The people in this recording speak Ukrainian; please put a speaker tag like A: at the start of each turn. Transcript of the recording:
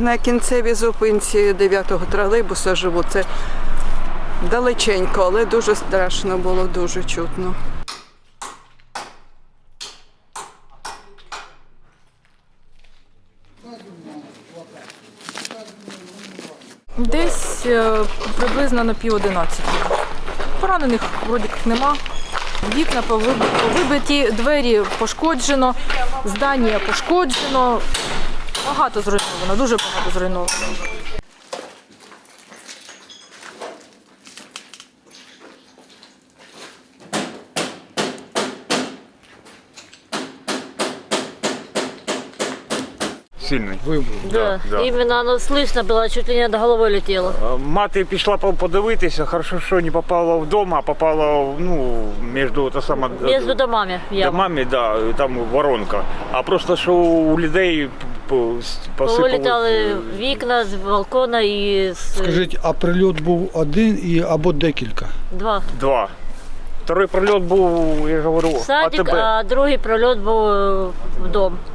A: на кінцевій зупинці 9-го тролейбуса живу. Це далеченько, але дуже страшно було, дуже чутно.
B: Десь приблизно на 10:30. Поранених вроді як нема. Вікна повибиті, двері пошкоджено, здання пошкоджено. Багато зруйновано, дуже багато зруйновано.
C: Сильний.
D: Да. Іменно оно слышно було, чуть ли не над головою летіло.
C: Мати пішла подивитися, хорошо, що не попала вдома, а попала між
D: Між домами.
C: домами, да, там воронка. А просто що у людей
D: Повилітали вікна з балкона і з...
E: Скажіть, а прильот був один або декілька?
C: Два. Второй прильот був, я говорю,
D: Садик,
C: АТБ.
D: а другий прильот був в дом.